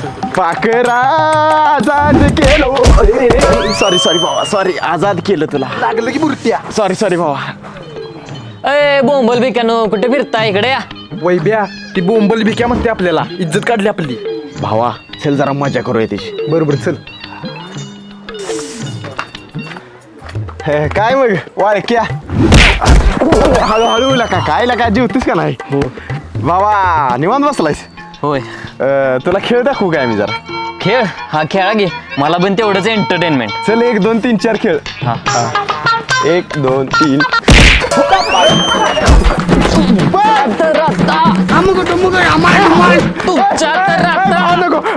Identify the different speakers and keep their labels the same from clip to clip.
Speaker 1: पाखरा आजाद केलो. सॉरी भावा, सॉरी. आजाद केलं तुला. लागलं की मूर्त्या. सॉरी भावा.
Speaker 2: अय बोंबल बिकानो कुठे फिरता इकडे या.
Speaker 3: वैब्या ती बोंबल भिक्या म्हणते आपल्याला. इज्जत काढली आपली.
Speaker 1: भावा चल जरा मजा करूया त्याची.
Speaker 3: बरोबर चल.
Speaker 1: काय मग वाळक्या हळूहळू लका काय लका जेवतीस का नाही. भावा निवांत बसलायस.
Speaker 2: होय
Speaker 1: तुला खेळ दाखवू काय मी जरा.
Speaker 2: खेळ हा खेळा घे मला पण तेवढंच एंटरटेनमेंट.
Speaker 1: चल 1 2 3 4 खेळ.
Speaker 2: हा
Speaker 1: 1 2 3.
Speaker 2: तुमच्या तर आता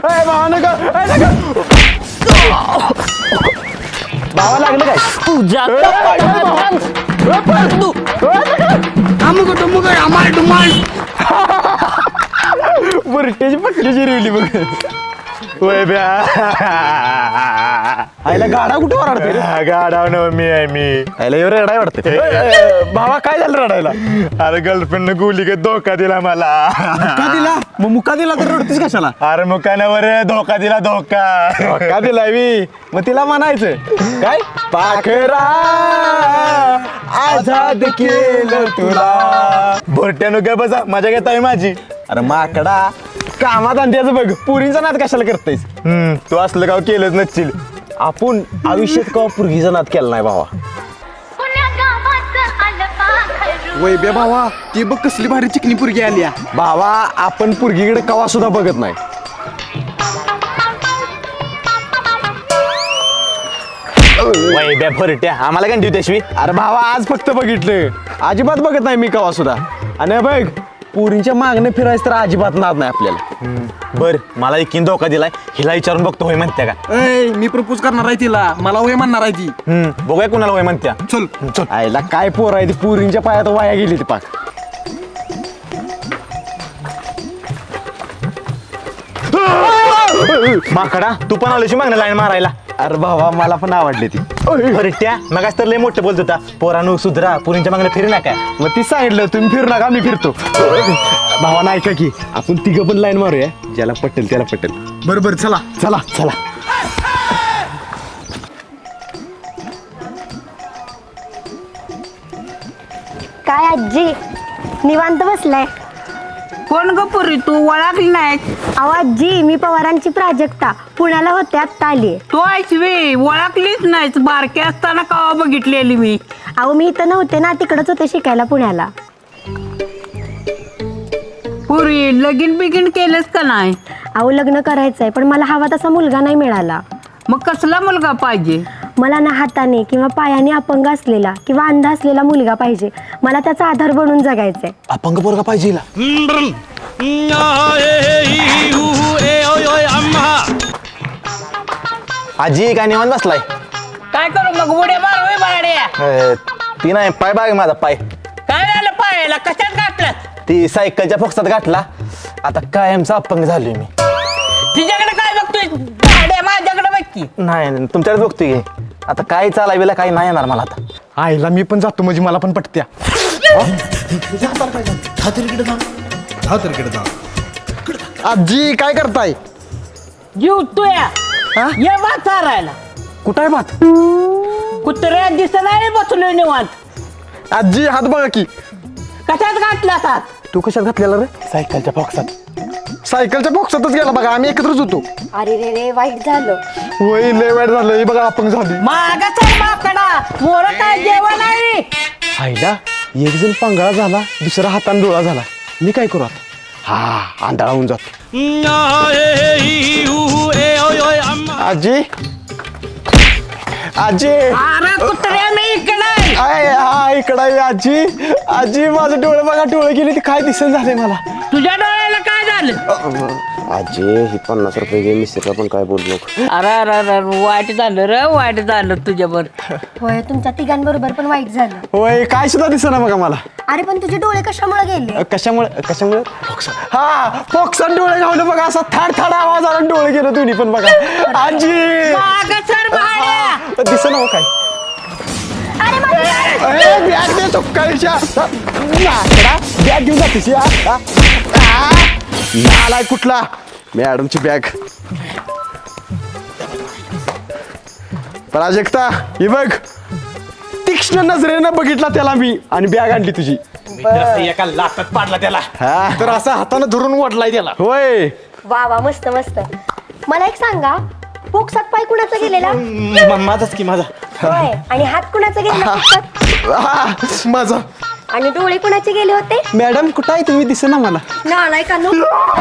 Speaker 1: भावा लागलं काय.
Speaker 2: तुझ्या
Speaker 1: बुरट्याची पकडीची रिवली बघ. होय ब्या आईला गाडा कुठे वराडते.
Speaker 4: गाडाव न मी आहे मी.
Speaker 1: आईला एवढं रडाय वाटतं. भावा काय झालं रडायला.
Speaker 4: अरे गर्लफ्रेंड गुली का धोका दिला मला.
Speaker 1: का दिला मग मुका दिला तर रडतीस कशाला.
Speaker 4: अरे मुकानावर धोका दिला धोका.
Speaker 1: का दिलाय मी मग तिला म्हणायचं काय. पाखरा आजाद केलं तुला.
Speaker 4: भोट्यानो काय बसा मजा घेताय माझी.
Speaker 1: अरे माकडा कामात आणत्याचं बघ. पुरींचा नाद कशाला करतायस.
Speaker 4: तू असलं गाव केलंच नसशील.
Speaker 1: आपण आयुष्यात का पुरगीचा नाद केला नाही भावा.
Speaker 3: वैब्या भावा ती बघ कसली भारी चिकनी पुरगी आली.
Speaker 1: भावा आपण पुरगीकडे कवा सुद्धा बघत नाही.
Speaker 4: वैब्या भरट्या आम्हाला कंटिन्यू त्याशिवी.
Speaker 1: अरे भावा आज फक्त बघितलं. अजिबात बघत नाही मी कवा सुद्धा. आणि बघ पुरींच्या मागणे फिरायचं तर अजिबात नाद नाही आपल्याला.
Speaker 4: बर मला एकीन धोका दिलाय हिला विचारून बघतो होय म्हणत्या का.
Speaker 3: मी प्रपोज करणार आहे तिला. मला वय म्हणणार आहे ती.
Speaker 4: बघूया कुणाला होय म्हणत्या.
Speaker 3: चल चल.
Speaker 1: आईला काय पोर आहे ती पुरींच्या पायात वाया गेली ती पाक.
Speaker 4: माकडा तू पण आलोशी मागणं लाईन मारायला.
Speaker 1: अरे भावा मला पण आवडली ती.
Speaker 4: भरट्या मग तर लय मोठं बोलत होता. पोरानू सुधरा पुरींच्या मागणं फिरू नका.
Speaker 1: मग ती सांगितलं तुम्ही फिरू नका मी फिरतो. भावा नाही का की आपण तिघं पण लाईन मारूया. ज्याला पटेल त्याला पटेल.
Speaker 3: बरोबर चला.
Speaker 1: चला चला.
Speaker 5: काय आजी निवांत बसलाय.
Speaker 6: कोण ग पुरी तू ओळखली नाही.
Speaker 5: अहो आजी मी पवारांची प्राजक्ता पुण्याला होते आत्ता आली.
Speaker 6: तू ऐकवी ओळखलीच नाहीस. बारके असताना कवा बघितलेली मी.
Speaker 5: अहो मी इथं नव्हते ना तिकडच होते शिकायला पुण्याला.
Speaker 6: पुरी लगीन बिगीन केलंस का नाही.
Speaker 5: अहो लग्न करायचंय पण मला हवा तसा मुलगा नाही मिळाला.
Speaker 6: मग कसला मुलगा पाहिजे.
Speaker 5: मला ना हाताने किंवा पायाने अपंग असलेला किंवा अंध असलेला मुलगा पाहिजे. मला त्याचा आधार बनून जगायचंय.
Speaker 1: अपंग पोरगा पाहिजे हिला.
Speaker 4: आजी काय निवांत बसलाय.
Speaker 6: काय करू मग उड्या मारू बाड्या.
Speaker 4: ती नाही पाय बाग माझा पाय.
Speaker 6: काय झालं पायाला कशात घातलं.
Speaker 4: ती सायकलच्या फोक्सात गाठला. आता कायमचा अपंग झालोय मी.
Speaker 6: तिच्याकडे काय बघतोय बाड्या माझ्याकडे बघ की.
Speaker 4: नाही तुमच्याकडे बघतोय घे. आता काय चालायला काही नाही येणार मला आता.
Speaker 3: आईला मी पण जातो म्हणजे मला पण पटत्या. आजी काय करताय.
Speaker 6: जीव तुया ये भात चारायला.
Speaker 3: कुठं आहे भात.
Speaker 6: कुत्र्या दिसत नाही बसलोय निवांत.
Speaker 3: आजी हात बघा की.
Speaker 6: कशात घातला हात.
Speaker 3: तू कशात घातलेला रे.
Speaker 4: सायकलच्या फोक्सात.
Speaker 3: सायकलच्या बॉक्सातच गेला बघा. आम्ही एकत्रच होतो.
Speaker 5: अरे रे रे वाईट झालं.
Speaker 3: वय लय वाईट झालं. हे बघा अपंग झाली.
Speaker 6: मागच आहे माकडा. मोर काय जेवण आहे.
Speaker 1: आईला एक जण पांगळा झाला दुसरा हातान डोळा झाला. मी काय करू आता. हा आंधळा होऊन जातो. आजी आजी
Speaker 6: अरे कुत्र्या मी इकडे.
Speaker 1: हा इकडं आहे आजी. आजी माझं डोळे बघा डोळे गेले ते काय दिसन झाले मला.
Speaker 6: तुझ्या डोळ्याला काय झालं.
Speaker 1: आजी ही 50 रुपये घे मिस्त्रीला पण काय बोललो.
Speaker 6: अरे अरे अरे वाईट झालं रे वाईट झालं तुझ्यावर.
Speaker 5: होय तुमच्या तिघांबरोबर पण वाईट झालं.
Speaker 1: होय काय सुद्धा दिसना बघा मला.
Speaker 5: अरे पण तुझे डोळे कशामुळे गेले.
Speaker 1: कशामुळे हा फोक्सात डोळे घावले बघा. असा थाड थाड आवाज आला डोळे गेले दोन्ही पण बघा. आजी
Speaker 6: मागं सर भाड्या.
Speaker 1: दिसना हो काय. बॅग दे चुक्काळीच्या. बॅग घेऊन जातीस नालाय कुठला. मॅडमची बॅग. प्राजक्ता ही बघ, तीक्ष्ण नजरेनं बघितला त्याला मी आणि बॅग आणली तुझी.
Speaker 4: एका लाटात पाडला त्याला.
Speaker 1: हा
Speaker 3: तर असा हातानं धरून वाटलाय त्याला.
Speaker 1: होय.
Speaker 5: वा वा मस्त मस्त. मला एक सांगा, पोक्सात पाय कुणाचा गेलेला?
Speaker 4: माझाच की माझा.
Speaker 5: होय. आणि हात कुणाचा गेलेला पोक्सात?
Speaker 1: हा, माझा.
Speaker 5: आणि डोळे कुणाचे गेले होते?
Speaker 1: मॅडम कुठं आहे तुम्ही, दिसेना मला.
Speaker 5: नालाय का नो?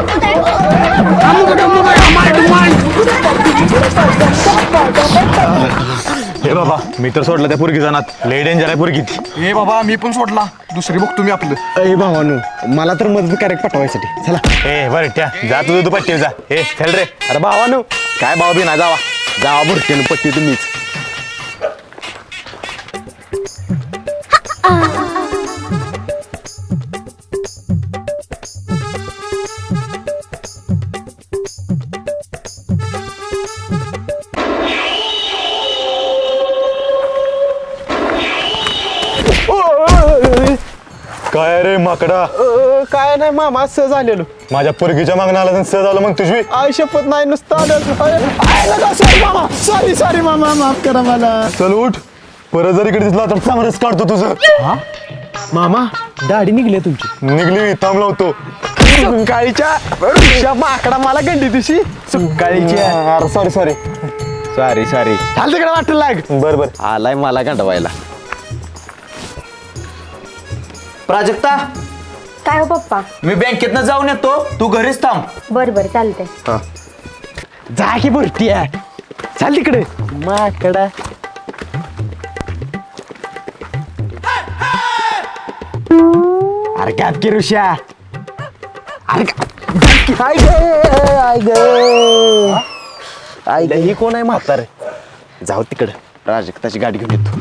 Speaker 4: हे बाबा मी तर सोडलं त्या पुरगी जाणार. लय डेंजर आहे पुरगी ती.
Speaker 3: हे बाबा मी पण सोडला, दुसरी बघतो मी आपलं.
Speaker 1: अय भावानू, मला तर मदत करेक्ट पाठवायसाठी. चला.
Speaker 4: ए बरं त्या जा तुझं तू पट्टी जा. ए चल रे.
Speaker 1: अरे भावानू, काय भाव बी ना, जावा बुरट्यानं पट्टी तुम्हीच.
Speaker 4: काय रे माकडा.
Speaker 1: काय नाही मामा, सहज आलेलो.
Speaker 4: माझ्या पुरगीच्या मागणं आला तर सहज आलं मग तुझी.
Speaker 1: आय शपथ नाही, नुसतं आलं. सॉरी मामा, सॉरी मामा, माफ करा मला.
Speaker 4: चल उठ. परत जर इकडे दिसला तर चांगलंच काढतो तुझं.
Speaker 1: मामा, दाढी निघली तुमची.
Speaker 4: निघली थांबला होतो.
Speaker 1: सुकाळीच्या माकडा मला गंडी तुझी. सुकाळीच्या.
Speaker 4: सॉरी
Speaker 1: सॉरी चाल तिकडे वाटलं लाग.
Speaker 4: बर
Speaker 1: आलाय मला गंडवायला.
Speaker 7: प्राजक्ता,
Speaker 5: काय हो पप्पा?
Speaker 7: मी बँकेतनं जाऊन येतो, तू घरीच थांब.
Speaker 5: बर चालतंय.
Speaker 1: जा की बुरटी आहे. चाल तिकडे माकडा. अरे काय की ऋषा. अरे आय ही कोण आहे म्हातारे. जाऊ तिकडे, प्राजक्ताची गाडी घेऊन येतो.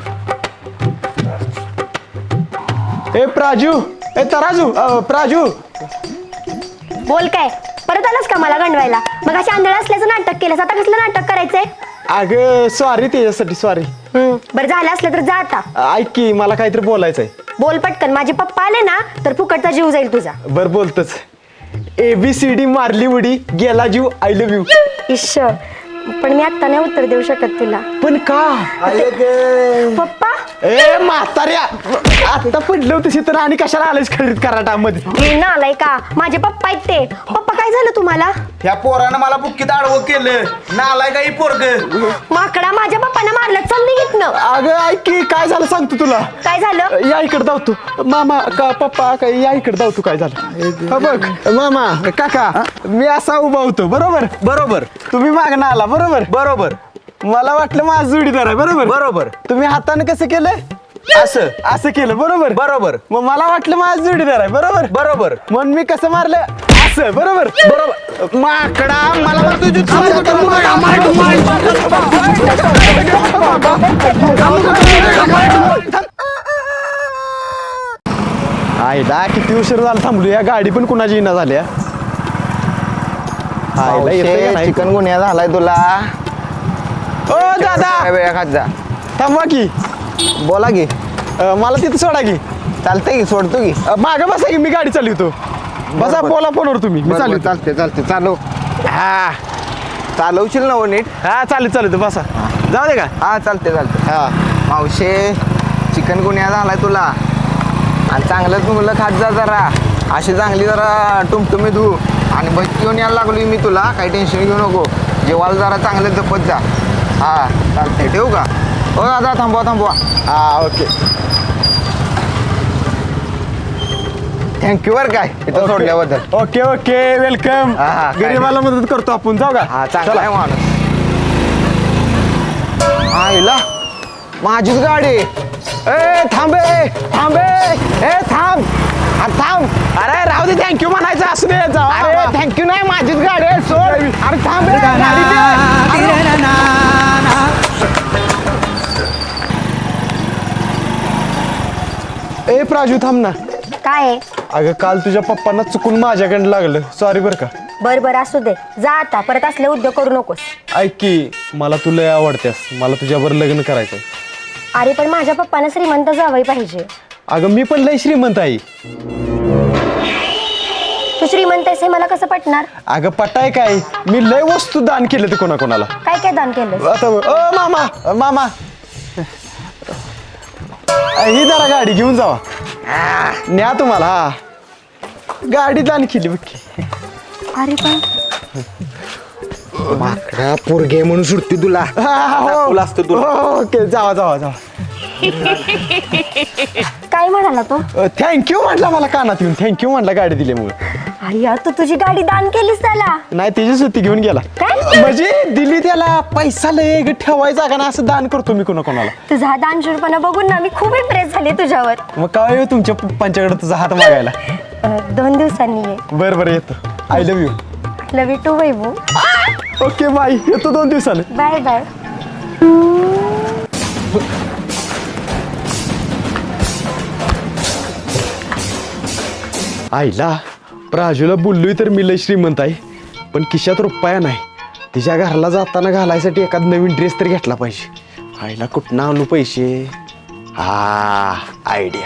Speaker 1: ए प्राजू, ए तराजू, प्राजू.
Speaker 5: बोल काय, परत आलास का मला गंडवायला? मग अशी आंधळ असल्याचं नाटक केलंस, आता कसलं नाटक करायचंय?
Speaker 1: अगं सॉरी, त्याच्यासाठी सॉरी.
Speaker 5: बरं झालं असलं तर जा आता.
Speaker 1: ऐक की, मला काहीतरी बोलायचंय.
Speaker 5: बोल पटकन, माझे पप्पा आले ना तर फुकटचा जीव जाईल तुझा.
Speaker 1: बर बोलतच. ABCD मारली उडी, गेला जीव, आय लव्ह यू.
Speaker 5: इश्श, पण मी आता नाही उत्तर देऊ शकत तुला.
Speaker 1: पण का?
Speaker 5: पप्पा,
Speaker 1: ए म्हाताऱ्या, आता पडलं होतं तर आणि कशाला आलेस खरीद कराटामध्ये.
Speaker 5: हे ना आलाय का? माझे पप्पा आहेत ते. पप्पा काय झालं तुम्हाला?
Speaker 7: ह्या पोरानं मला बुक्कीत आडवं केलं. नालाय का ही पोरग.
Speaker 5: माकडा, माझ्या पप्पांना मारलं. चल निघितनं.
Speaker 1: अगं ऐक की, काय झालं सांगतो तुला.
Speaker 5: काय झालं?
Speaker 1: या इकडे धावतो. मामा का पप्पा काय, या इकडे धावतो. काय झालं हा बघ. मामा काका, मी असा उभा होतो बरोबर. तुम्ही मागणं आला बरोबर. मला वाटलं माझं जोडीदार आहे बरोबर. तुम्ही हाताने कसं केलं? असं केलं बरोबर. मग मला वाटलं माझं जोडीदार आहे बरोबर. म्हणून मी कसं मारलं? असं बरोबर. माकडा, मला तर तुझी आईला किती उशीर झाला थांबलो. या गाडी पण कुणाची इना झाल्या.
Speaker 8: चिकन गुन्हा झालाय तुला.
Speaker 1: ओ दादा,
Speaker 8: वेळा खात जा.
Speaker 1: थांबवा की.
Speaker 8: बोला की.
Speaker 1: मला तिथं सोडा की.
Speaker 8: चालतंय की, सोडतो की.
Speaker 1: मागं बसा की, मी गाडी चालवतो. बसा, बोला फोनवर तुम्ही. मी चालू.
Speaker 8: चालते चालव.
Speaker 1: हा
Speaker 8: चालवशील ना हो नीट.
Speaker 1: हा चालू बसा. जाऊ दे का.
Speaker 8: हा चालते
Speaker 1: हा
Speaker 8: मावशे, चिकन गुन्हा झालाय तुला. आणि चांगलं तुला खात जा जरा. अशी चांगली जरा टुमटुमी धू. आणि बस घेऊन यायला लागलोय मी तुला. काही टेन्शन घेऊ नको. जेवायला जरा चांगलं जपत जा. हा चालते, ठेवू का? हो दादा, थांबवा.
Speaker 1: हा ओके.
Speaker 8: थँक्यू बरं काय इथं सोडल्याबद्दल.
Speaker 1: Okay welcome.
Speaker 8: हा, काय
Speaker 1: गरीबाला मदत करतो आपण. जाऊ का.
Speaker 8: हा चांगला आहे माणूस. आईला माझीच गाडी.
Speaker 1: ए थांबे. ए थांब. अरे राहू दे, थँक्यू म्हणायचं असू दे.
Speaker 8: अरे थँक्यू नाही, माझीच गाडी आहे, सोड.
Speaker 1: अरे थांब रे, गाडी दे. ए प्राजू थांब ना.
Speaker 5: काय आहे?
Speaker 1: अगं काल तुझ्या पप्पांना चुकून माझ्याकडे लागलं. सॉरी बरं का.
Speaker 5: बरं असू दे, जा आता. परत असले उद्योग करू नकोस.
Speaker 1: ऐक की, मला तू लय आवडतेस. मला तुझ्यावर लग्न करायचंय.
Speaker 5: अरे पण माझ्या पप्पांना श्रीमंत जावई पाहिजे.
Speaker 1: अगं मी पण लय श्रीमंत आहे.
Speaker 5: तू श्रीमंत आहेस हे मला कसं पटणार?
Speaker 1: अगं पटाय काय, मी लय वस्तू दान केले ते कोणाकोणाला.
Speaker 5: काय काय दान केलं?
Speaker 1: आता मामा मामा ही जरा गाडी घेऊन जावा, न्या तुम्हाला. हा गाडी दान केली बघ की.
Speaker 5: अरे पण
Speaker 8: माकडा पोरगे म्हणून सुटते तुला.
Speaker 1: तुला असतं तुला. ओके जावा जावा जावा.
Speaker 5: काय म्हणाला तो?
Speaker 1: थँक्यू म्हटला मला कानात येऊन, थँक्यू म्हटला गाडी दिल्यामुळे.
Speaker 5: अय्या तू तुझी गाडी दान केलीस त्याला?
Speaker 1: नाही त्याची सुट्टी घेऊन गेला.
Speaker 5: काय?
Speaker 1: म्हणजे दिली त्याला, पैसा लय ठेवायचा का ना, असं दान करतो मी कोणाकोणाला.
Speaker 5: तुझा हा दानशूरपणा बघून ना मी खूप इम्प्रेस झाले तुझ्यावर.
Speaker 1: मग काय येऊ तुमच्या पप्पांच्याकडे तुझा हात मागायला.
Speaker 5: 2 दिवसांनी ये.
Speaker 1: बरं बरं येतो. I love you.
Speaker 5: Love you too Vaibhu.
Speaker 1: Okay bye, येतो 2 दिवसाने.
Speaker 5: Bye bye.
Speaker 1: आईला प्राजूला बोललोय तर मी लय श्रीमंत आहे, पण खिशात रुपया नाही. तिच्या घराला जाताना घालायसाठी एखाद नवीन ड्रेस तर घेतला पाहिजे. आईला कुठनं आणू पैसे? हा आयडिया.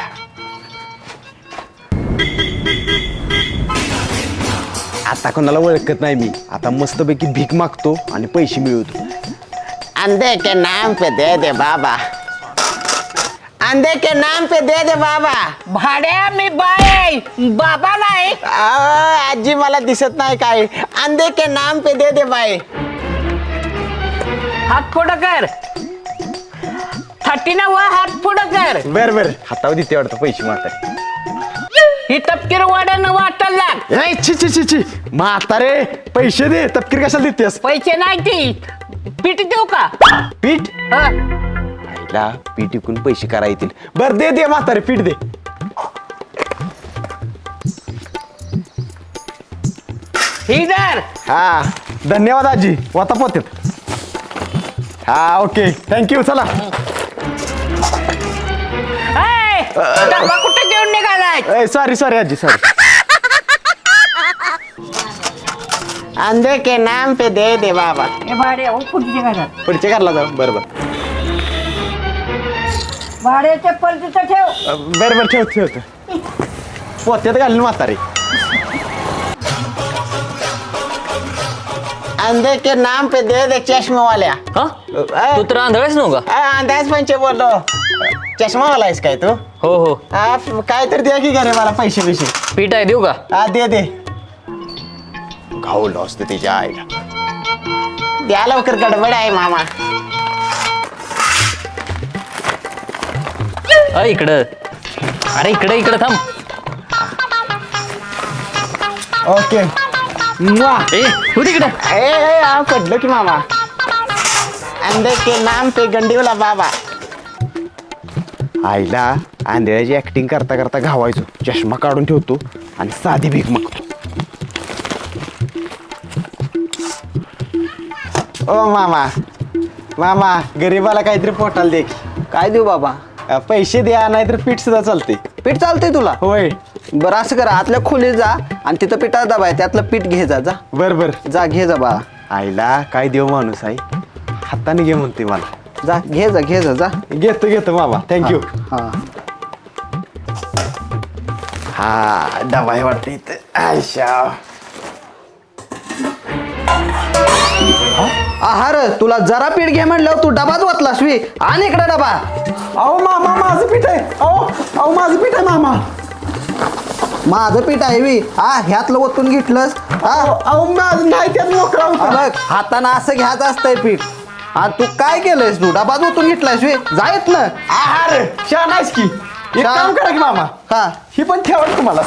Speaker 1: आता कोणाला ओळखत नाही मी, आता मस्तपैकी भीक मागतो आणि पैसे मिळवतो.
Speaker 8: अंधे के नाम पे दे दे बाबा, अंधे के नाम पे दे दे बाबा.
Speaker 6: भाड्या मी बाय आहे, बाबा नाही.
Speaker 8: आजी मला दिसत नाही काय. अंधे के नाम पे दे दे बाई.
Speaker 6: हात पुढं कर. 30 वर हात पुढं कर.
Speaker 1: बर बर हातावर देते वाटतं पैसे म्हातारे.
Speaker 6: ही तपकीर वाड्यानं वाटायला लाग.
Speaker 1: ए, छी छी छी छी म्हातारे पैसे दे. तपकीर कशाला देतेस?
Speaker 6: पैसे नाही ती पीठ देऊ का?
Speaker 1: पीठ?
Speaker 6: हं.
Speaker 1: आईला पीठ विकून पैसे करा येतील. बर दे दे म्हातारे पीठ दे.
Speaker 6: ही धर.
Speaker 1: हा धन्यवाद आजी. वाता पोत्यात. हा ओके थँक्यू. चला.
Speaker 6: ए, डबा कुठे घेऊन निघालाय?
Speaker 1: सॉरी सॉरी आजी सॉरी.
Speaker 8: अंधे के नाम पे दे दे बाबा.
Speaker 6: हे भाड्या पुढच्या घरात.
Speaker 1: पुढच्या घरला जाऊ. बरं बरं
Speaker 6: भाड्या चप्पल तिथं ठेव.
Speaker 1: बरं बरं ठेवतो ठेवतो. पोत्यात घालून म्हातारे.
Speaker 8: अंधे के नाम पे दे दे चष्मा वाल्या.
Speaker 2: हा तू तर आंधळाच नव्ह का?
Speaker 8: अंदाज पंचे बोललो. चष्मा वाला आहेस काय तू?
Speaker 2: हो हो.
Speaker 8: काय तर द्या की घरे मला पैसे पैसे.
Speaker 2: पीठ आहे देऊ का?
Speaker 8: हा दे दे.
Speaker 1: घावलं असतं तिच्या आईला.
Speaker 8: द्या लवकर गडबड आहे मामा.
Speaker 2: इकडं. अरे इकडं इकडं थांब.
Speaker 8: ओके.
Speaker 2: ए हो तिकडं.
Speaker 8: पडलो की मामा. अंधे के नाम पे गंडीवला बाबा.
Speaker 1: आईला आंधळ्याची ऍक्टिंग करता करता घावायचो. चष्मा काढून ठेवतो आणि साधी भीक मागतो. ओ मामा मामा गरीबाला काहीतरी पोटाला दे.
Speaker 8: काय देऊ बाबा?
Speaker 1: पैसे द्या नाहीतर पीठ सुद्धा चालते.
Speaker 8: पीठ चालतंय तुला?
Speaker 1: होय.
Speaker 8: बरं असं करा, आतल्या खोलीत जा आणि तिथं पिठाचा डबा आहे, त्यातलं पीठ घे जा.
Speaker 1: बर बर.
Speaker 8: जा घे जा बाळा.
Speaker 1: आईला काय देव माणूस आहे. हाताने घे म्हणते मला.
Speaker 8: जा घे जा.
Speaker 1: घेतो घेतो मामा थँक्यू.
Speaker 8: हा
Speaker 1: हा डबा आहे वाटतं इथं. आयशा
Speaker 8: आहार तुला जरा पीठ घे म्हणलं तू डबाच वाचलास वी. आणि इकडे डबा.
Speaker 1: अहो मामा माझं पीठ आहे. अहो माझं पीठ आहे मामा.
Speaker 8: माझं पीठ आहे वी. हा ह्यातलं ओतून घेतलंस.
Speaker 1: अहो माझं नाही त्यात मोकळा होता.
Speaker 8: बघ हातानं असं घ्यायचं असतंय पीठ. आणि तू काय केलंयस? तू डबाच ओतून घेतलायस वी. जायत ना.
Speaker 1: आहार छान आहेस की. एक
Speaker 8: छान.
Speaker 1: काम करा की मामा,
Speaker 8: हा
Speaker 1: ही पण ठेवा तुम्हाला.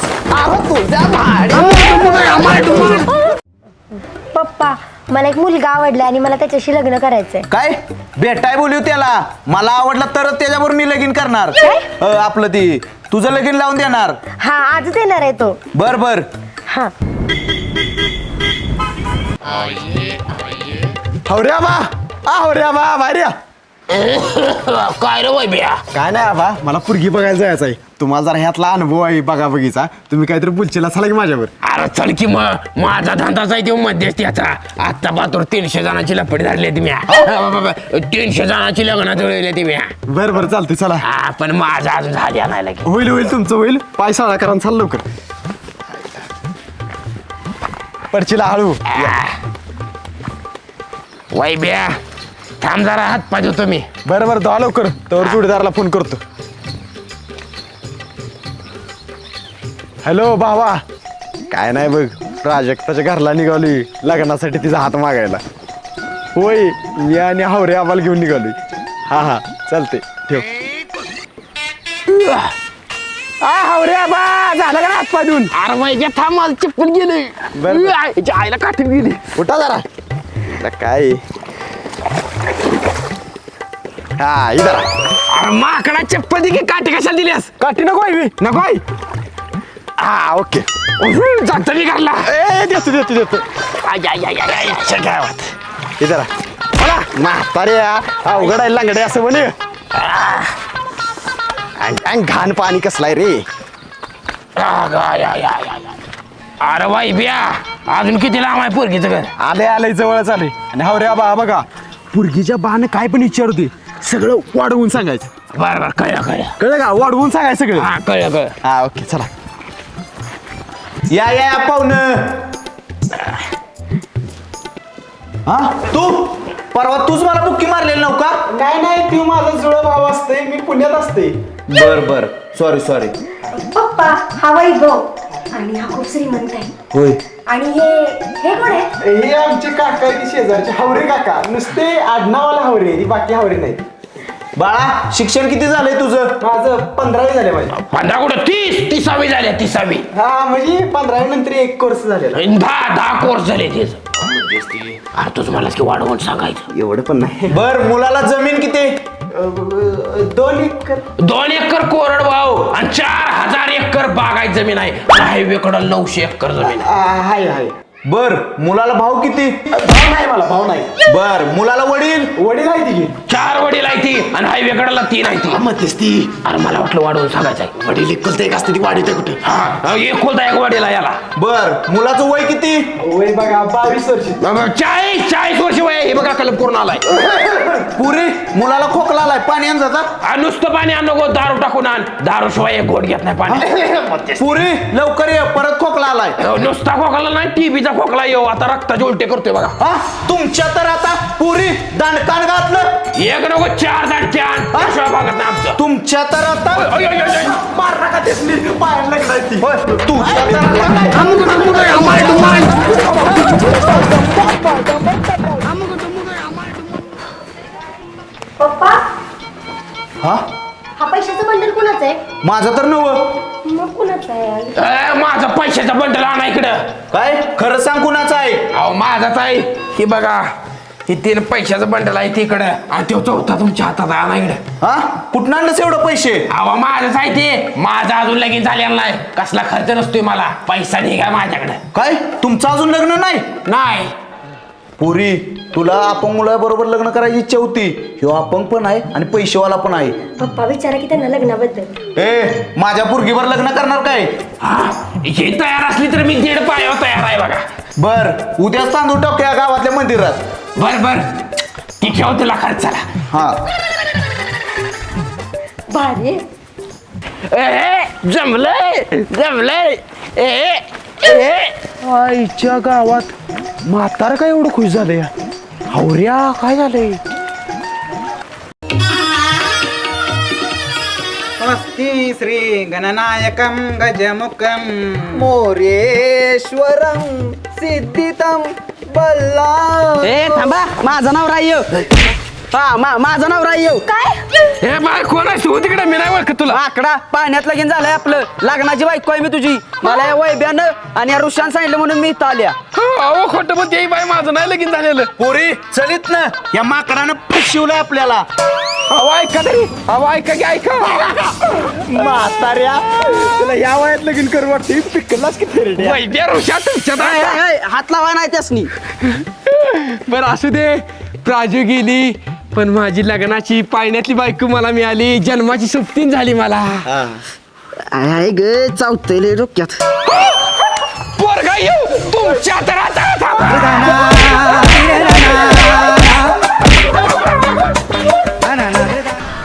Speaker 5: पप्पा मला एक मुलगा आवडला आणि मला त्याच्याशी लग्न करायचंय.
Speaker 8: काय भेटाय बोलू त्याला? मला आवडलं तरच त्याच्याबरोबर मी लगीन करणार. आपलं ती तुझं लगीन लावून देणार.
Speaker 5: हा आजच येणार आहे तो.
Speaker 8: बर बर.
Speaker 5: हा
Speaker 1: हवऱ्या बा. हवऱ्या बा भार्या.
Speaker 6: काय रे वैभ्या?
Speaker 1: काय नाही आबा, मला पुरगी बघायला जायचं आहे. तुम्हाला जरा ह्यातला अनुभव आहे बघा बघीचा. तुम्ही काहीतरी बोलचेला चला की माझ्यावर.
Speaker 9: अरे चल की मग, माझा धंदाच आहे तो मध्यस्थीचा. आता पात्र 300 जणांची लपडी धरली तुम्ही. 300 जणांची लग्न जुळवली तुम्ही.
Speaker 1: बरं बरं चालते चला.
Speaker 9: पण माझा अजून झाली आणायला की.
Speaker 1: होईल होईल तुमचं होईल. पाय साळा करा चाल लवकर. पडचिला हळू
Speaker 9: वैब्या थांब जरा हात पाय धुतो मी.
Speaker 1: बरं बरं दहा लवकर तर जोडीदाराला फोन करतो. हॅलो भावा. काय नाही बघ, प्राजक्ताच्या घरला निघालोय लग्नासाठी तिचा हात मागायला. होय, मी आणि हावरे आम्हाला घेऊन निघालोय. हा हा चालते ठेव. हावरे आबा झालं का हात पाय धुवून?
Speaker 9: अरे वैब्या थांब माझं चप्पल गेली.
Speaker 1: बरं.
Speaker 9: आईला काठी गेली.
Speaker 1: उठा जरा. आता काय हा इधर
Speaker 9: अरे माकडा चप्पल दे की काठी कशाला दिलीस?
Speaker 1: काठी नको आहे मी.
Speaker 9: नको आहे?
Speaker 1: हा ओके.
Speaker 9: जातो मी घरला.
Speaker 1: ए देतो देतो देतो.
Speaker 9: गावात
Speaker 1: इधर बोला म्हातारे अवघड आहे लांगडे असं म्हणे. घाण पाणी कसलाय रे.
Speaker 9: अरे वैब्या अजून किती लांब आहे पोरगीचं घर?
Speaker 1: आले आले जवळच आले. आणि हावरे आबा बघा पुरगीच्या बाण काय पण विचारते सगळं वाढवून सांगायचं.
Speaker 9: बरं बरं कळलं
Speaker 1: कळलं का? वाढवून सांगायचं सगळं.
Speaker 9: हा कळलं
Speaker 1: हा ओके चला.
Speaker 7: या या पाहुणं. हा तू परवा तूच मला बुक्की मारलेली नव्ह का?
Speaker 1: नाही नाही तू माझा जुळा भाव असते, मी पुण्यात असते.
Speaker 7: बर बर सॉरी.
Speaker 5: पप्पा हा वैभव आणि हा खूप श्रीमंत आहे.
Speaker 7: होय.
Speaker 5: आणि हे कोण आहे?
Speaker 1: हे आमचे काका आहे, ती शेजारचे हावरे काका. नुसते आडनावाला हावरे, बाकी हावरे नाही.
Speaker 7: बाळा शिक्षण किती झालंय तुझं?
Speaker 1: माझं 15वी झाले माझे.
Speaker 9: 15 कुठं 30वी झाल्या 30वी.
Speaker 1: हा म्हणजे 15वी नंतर एक कोर्स झालेला.
Speaker 9: 10 कोर्स झाले तेच. अरे तुझं मलाच की वाढवून सांगायचं.
Speaker 1: एवढं पण नाही.
Speaker 7: बर मुलाला जमीन किती?
Speaker 1: 2 एकर.
Speaker 9: 2 एकर कोरड भाऊ आणि 4000 एकर बागायत जमीन आहे. हायवे कडं 900 एकर जमीन आहे.
Speaker 1: हाय हाय.
Speaker 7: बर मुलाला भाऊ किती?
Speaker 1: भाव नाही मला, भाव नाही.
Speaker 7: बर मुलाला वडील?
Speaker 1: वडील आहे ती.
Speaker 9: 4 वडील आहे ती आणि हायवे कडाला 3 आहे ती.
Speaker 1: मध्येच ती.
Speaker 9: अरे मला वाटलं वाढवून सांगायचं आहे.
Speaker 1: वडील एकुलता एक असते ती वाढीत आहे कुठे.
Speaker 9: हा एक होता एक वडील आहे याला.
Speaker 7: बर मुलाचं वय किती?
Speaker 1: वय बघा 22 वर्ष.
Speaker 9: 40 वर्ष वय आहे. हे बघा कलम पूर्ण आलाय.
Speaker 7: पुरी मुलाला खोकला आलाय, पाणी आण जाता.
Speaker 9: नुसतं पाणी आण नको, दारू टाकून आण. दारू शिवाय एक घोट घेत नाही पाणी.
Speaker 7: पुरी लवकर ये, परत खोकला आलाय.
Speaker 9: नुसता खोकला नाही टीबीचा खोकला येऊ. आता रक्ताचे उलटे करतोय बघा.
Speaker 7: हा तुमच्या तर आता पुरी दांडकान घातलं.
Speaker 9: एक नको 4 दांडके आण. शिवाय भागत नाही आमचं.
Speaker 7: तुमच्या तर आता
Speaker 9: ओय, ओय, ओय, ओय.
Speaker 1: मार नका तेसली पायाला लागलाय ती.
Speaker 7: होय, तुझ्या तर आता
Speaker 5: पप्पा
Speaker 7: हा
Speaker 5: हा पैशाचं बंडल कुणाचं आहे?
Speaker 7: माझं तर नव.
Speaker 5: मग कुणाचं आहे?
Speaker 9: माझा पैशाचा बंडल आणा इकडं.
Speaker 7: काय खरं सांग कुणाचं आहे?
Speaker 9: अहो माझाच आहे. हे बघा हे 3 पैशाचं बंडल आहे तिकडं आणि तो चौथा तुमच्या हातात आणा इकडं.
Speaker 7: हा कुठं आणलंस एवढं पैसे?
Speaker 9: अहो माझंच आहे ते. माझा अजून लगीन झालेला नाही. कसला खर्च नसतोय मला. पैसा निघा माझ्याकडे.
Speaker 7: काय तुमचं अजून लग्न नाही?
Speaker 9: नाही
Speaker 7: पुरी तुला अपंग मुलाबरोबर लग्न करायची इच्छा होती. ह्यो अपंग पण आहे आणि पैसेवाला पण आहे.
Speaker 5: पप्पा विचारा की त्यांना लग्नाबद्दल.
Speaker 7: ए माझ्या पुरगीवर लग्न करणार काय?
Speaker 9: हा हे तयार असली तर मी 1.5 पायावर तयार आहे बघा.
Speaker 7: बर उद्याच तांदूळ टाकू या गावातल्या मंदिरात.
Speaker 9: बर ती ठेव तुला खर्चाला.
Speaker 7: हा
Speaker 5: भारी.
Speaker 9: जमलंय
Speaker 1: आईच्या गावात म्हातारा काय एवढं खुश झालं या. हावऱ्या काय झालंय?
Speaker 10: स्वस्ति श्री गणनायकं गजमुखं
Speaker 8: मोरेश्वरम सिद्धितम बल्ला.
Speaker 10: ए थांबा माझं नाव राह्य. माझं नाव राह्य.
Speaker 5: काय?
Speaker 9: हे बाय कोण आहे तू तिकडे? मी नाही ओळखत तुला.
Speaker 10: आकडा पाण्यात लगीन झालंय आपलं. लग्नाची बायको आहे मी तुझी. मला या वैब्यानं आणि या ऋषान सांगितलं म्हणून मी इथं आल्या.
Speaker 9: अहो खोटं पण ते बाय माझं नाही लगीन झालेलं.
Speaker 7: पुरी चलित ना या माकडानं फसवलंय आपल्याला.
Speaker 9: अहो ऐका तरी. अहो ऐका की ऐका.
Speaker 1: म्हाताऱ्या तुला या वयात लगीन करू वाटते. पिकलाच की फेरड्या.
Speaker 9: वैद्य ऋषा तुमच्या
Speaker 10: हात लावा नाही त्यासनी.
Speaker 9: बरं असू दे. प्राजू गेली पण माझी लग्नाची पाळण्यातली बायको मला मिळाली. जन्माची सुप्तीन झाली मला.
Speaker 10: आहे ग चावतले डोक्यात.
Speaker 9: पोरगा येऊ तुमच्या तर आता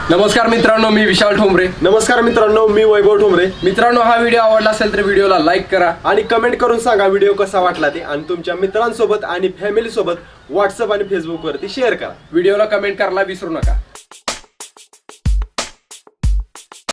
Speaker 3: नमस्कार मित्रांनो, मी विशाल ठोंबरे.
Speaker 1: नमस्कार मित्रांनो, मी वैभव ठोंबरे.
Speaker 3: मित्रांनो, हा व्हिडिओ आवडला असेल तर व्हिडिओला लाईक करा
Speaker 1: आणि कमेंट करून सांगा व्हिडिओ कसा वाटला ते, आणि तुमच्या मित्रांसोबत आणि फॅमिली सोबत व्हॉट्सअप आणि फेसबुक वरती शेअर करा.
Speaker 3: व्हिडिओला कमेंट करायला विसरू नका.